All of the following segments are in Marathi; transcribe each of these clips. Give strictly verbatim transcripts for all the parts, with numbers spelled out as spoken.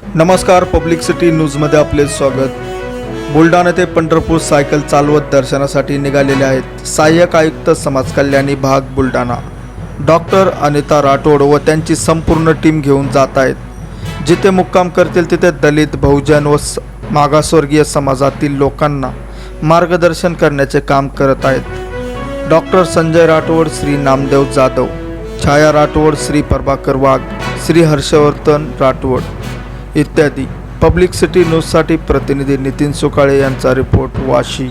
नमस्कार, पब्लिक सिटी न्यूजमध्ये आपले स्वागत। बुलढाणा ते पंढरपूर सायकल चालवत दर्शनासाठी निघालेले आहेत सहाय्यक आयुक्त समाज कल्याण विभाग बुलढाणा डॉक्टर अनिता राठोड व त्यांची संपूर्ण टीम घेऊन जात आहेत। जिथे मुक्काम करतील तिथे दलित, बहुजन व मागासवर्गीय समाजातील लोकांना मार्गदर्शन करण्याचे काम करत आहेत। डॉक्टर संजय राठोड, श्री नामदेव जाधव, छाया राठोड, श्री प्रभाकर वाघ, श्री हर्षवर्धन राठोड इत्यादी। पब्लिक सिटी न्यूजसाठी प्रतिनिधी नितीन सुकाळे यांचा रिपोर्ट, वाशी।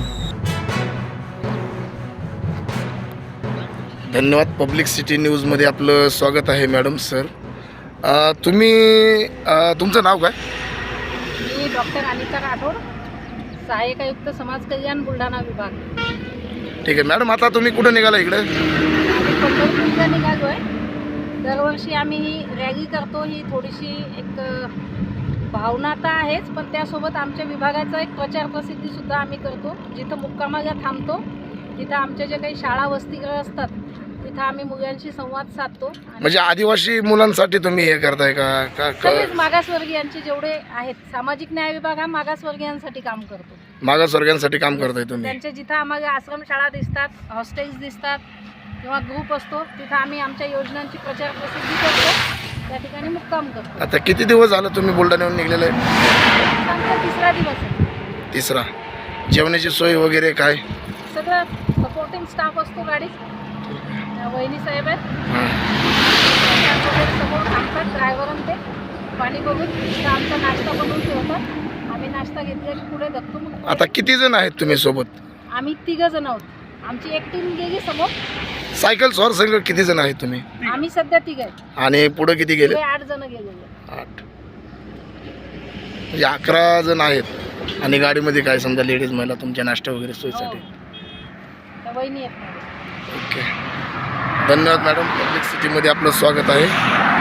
धन्यवाद। पब्लिक सिटी न्यूजमध्ये आपलं स्वागत आहे मॅडम सर। अ, तुम्ही अ, तुमचं नाव काय? मी डॉक्टर अनिता राठोड, सहाय्यक आयुक्त समाज कल्याण बुलढाणा विभाग। ठीक आहे मॅडम, आता तुम्ही कुठं निघाला इकडे? आम्ही पंढरपूरला निघालो आहे। दरवर्षी आम्ही ही रॅली करतो, ही थोडीशी एक भावना तर आहेच, पण त्यासोबत आमच्या विभागाचा एक प्रचार प्रसिद्धीसुद्धा आम्ही करतो। जिथं मुक्कामाला थांबतो तिथं आमच्या जे काही शाळा वसतिगृह असतात तिथं आम्ही मुलांशी संवाद साधतो। म्हणजे आदिवासी मुलांसाठी तुम्ही हे करताय का? का तसेच मागासवर्गीयांचे जेवढे आहेत, सामाजिक न्याय विभाग हा मागासवर्गीयांसाठी काम करतो। मागासवर्गीयांसाठी काम करताय तुम्ही? त्यांच्या जिथं आम्हाला आश्रमशाळा दिसतात, हॉस्टेल्स दिसतात किंवा ग्रुप असतो तिथं आम्ही आमच्या योजनांची प्रचार प्रसिद्धी करतो, त्या ठिकाणी मुक्काम करतो। आता किती दिवस झालं तुम्ही बुलढाण्याहून निघलेले आहे? आमचा तिसरा दिवस आहे। तिसरा। जेवणाची सोय वगैरे काय? सगळं सपोर्टिंग स्टाफ असतो गाडीत, वहिनी साहेब आहेत, हां, वगैरे समोर थांबतात ड्रायव्हर ते पाणी बघून तिथं आमचा नाश्ता बनवून ठेवतात। आम्ही नाश्ता घेतला की पुढे धक्तो। मग आता किती जण आहेत तुम्ही सोबत? आम्ही तिघं जण आहोत। आमची एक टीम गेली समोर। सायकल स्वार संघ किती जण आहेत तुम्ही? आम्ही सध्या तिघ आहेत आणि पुढे किती गेले? आठ जण गेलेले। आठ, म्हणजे अकरा जण आहेत। आणि गाडीमध्ये काय समजा लेडीज महिला तुमच्या नाश्ता वगैरे सोयीसाठी? त्या वहिनी आहेत। ओके, धन्यवाद मॅडम। पब्लिक सिटीमध्ये आपलं स्वागत आहे।